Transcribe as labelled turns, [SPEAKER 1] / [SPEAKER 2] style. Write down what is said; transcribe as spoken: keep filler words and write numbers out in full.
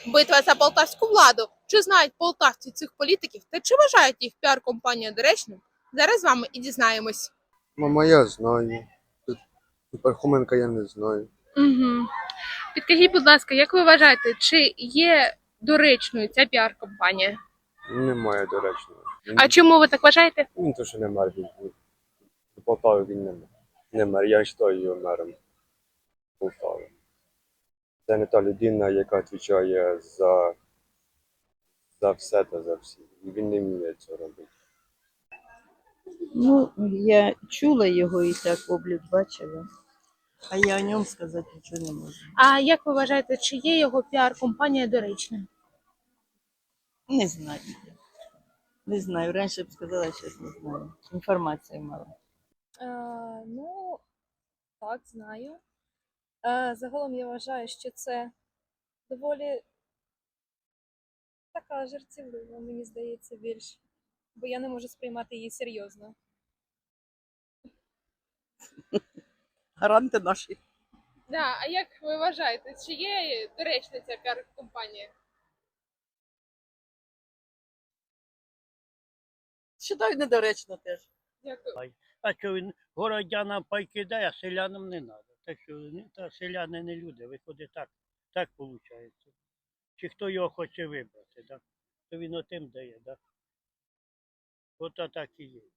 [SPEAKER 1] Битва за полтавську владу. Чи знають полтавці цих політиків та чи вважають їх піар-компанію доречною? Зараз з вами і дізнаємось.
[SPEAKER 2] Мама, я знаю. Тут Пархоменка я не знаю.
[SPEAKER 1] Угу. Підкажіть, будь ласка, як ви вважаєте, чи є доречною ця піар-компанія?
[SPEAKER 2] Немає доречного.
[SPEAKER 1] А чому ви так вважаєте?
[SPEAKER 2] Він то, що не мер. Він, до Полтави він не мер. Не мер. Я вважаю його мером Полтави. Це не та людина, яка відповідає за, за все та за всіх. І він не вміє цього робити.
[SPEAKER 3] Ну, я чула його і так облік бачила, а я о ньому сказати нічого не можу.
[SPEAKER 1] А як ви вважаєте, чи є його піар-компанія доречною?
[SPEAKER 3] Не знаю. Не знаю. Раніше б сказала, зараз не знаю. Інформації мало.
[SPEAKER 4] Е, ну, так, знаю. Е, загалом я вважаю, що це доволі така жартівлива, мені здається, більш. Бо я не можу сприймати її серйозно.
[SPEAKER 3] Гаранти наші.
[SPEAKER 1] Да, а як ви вважаєте, чи є доречна ця піар-компанія?
[SPEAKER 3] Считаю недоречно теж.
[SPEAKER 1] Дякую.
[SPEAKER 5] А що він городянам пайки дає, а селянам не треба. Так що ну, та селяни не люди, виходить так, так виходить. Чи хто його хоче вибрати, так? То він отим дає, так? От так і є.